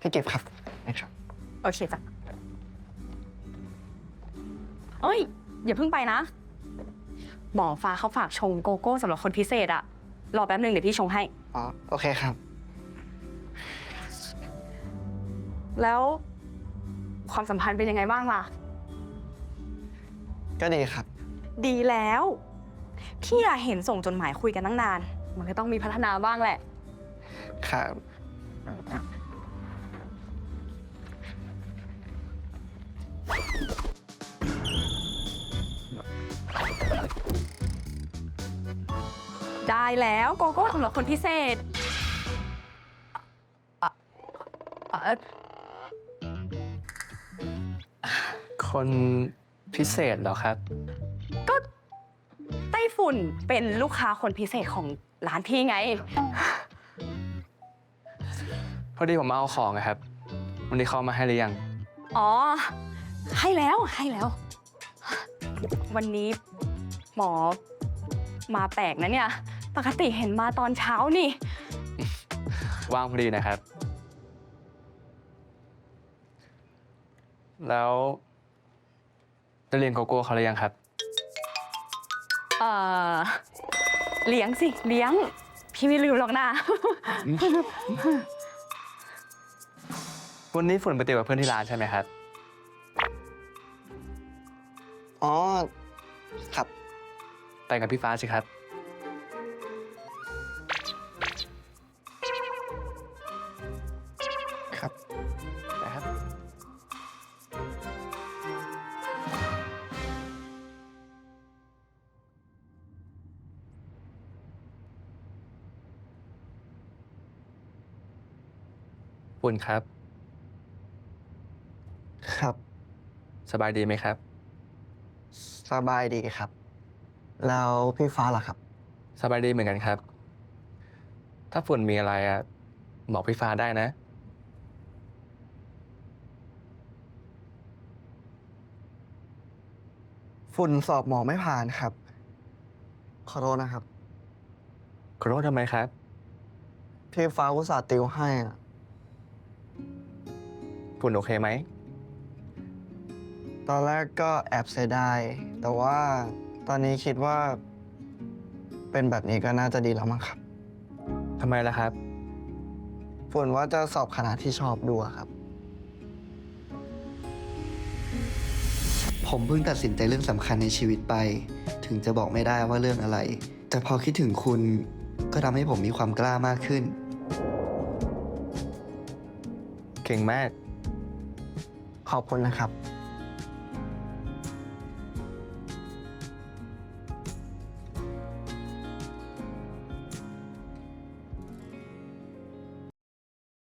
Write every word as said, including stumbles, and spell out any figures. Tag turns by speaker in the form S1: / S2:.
S1: พี่เก็บครับนะครับ
S2: โอเคจ้ะเอ้ยอย่าเพิ่งไปนะหมอฟ้าเขาฝากชงโกโก้สำหรับคนพิเศษอะรอแป๊บนึงเดี๋ยวพี่ชงให้
S1: อ๋อโอเคครับ
S2: แล้วความสัมพันธ์เป็นยังไงบ้างล่ะ
S1: ก็ดีครับ
S2: ดีแล้วพี่อะเห็นส่งจดหมายคุยกันตั้งนานมันก็ต้องมีพัฒนาบ้างแหละ
S1: ครับ
S2: ได้แล้วโกโก้สำหรับคนพิเศษอ่ะอ่ะเอ่อ
S3: คนพิเศษเหรอครับ
S2: ก็ไต้ฝุ่นเป็นลูกค้าคนพิเศษของร้านพี่ไง
S3: พอดีผมมาเอาของนะครับวันนี้เขามาให้หรือยัง
S2: อ๋อให้แล้วให้แล้ว วันนี้หมอมาแปลกนะเนี่ยปกติเห็นมาตอนเช้านี่
S3: ว่างพอดีนะครับแล้วจะเรียนโกโก้เขาหรือยังครับ
S2: เอ่อเลี้ยงสิเลี้ยงพี่ไม่ลืมหรอกนะ
S3: วันนี้ฝุ่นไปเตะกับเพื่อนที่ร้านใช่ไหมครับ
S1: อ๋อครับ
S3: ไปกับพี่ฟ้าสิครับ
S1: ครับ
S3: นะครับฝุ่นครับ
S1: ครับ
S3: สบายดีไหมครับ
S1: สบายดีครับแล้วพี่ฟ้าล่ะครับ
S3: สบายดีเหมือนกันครับถ้าฝุ่นมีอะไรอะบอกพี่ฟ้าได้นะ
S1: ฝุ่นสอบหมอไม่ผ่านครับขอโทษนะครับ
S3: ขอโทษทำไมครับ
S1: พี่ฟ้าอุตส่าห์ติวให้อะ
S3: ฝุ่นโอเคไหม
S1: ตอนแรกก็แอบเสียดายแต่ว่าตอนนี้คิดว่าเป็นแบบนี้ก็น่าจะดีแล้วมั้งครับ
S3: ทำไมล่ะครับ
S1: ฝุ่นว่าจะสอบคณะที่ชอบดูอะครับ
S4: ผมเพิ่งตัดสินใจเรื่องสำคัญในชีวิตไป ถึงจะบอกไม่ได้ว่าเรื่องอะไร แต่พอคิดถึงคุณก็ทำให้ผมมีความกล้ามากขึ้น
S3: เก่งมาก
S1: ขอบคุณนะครับ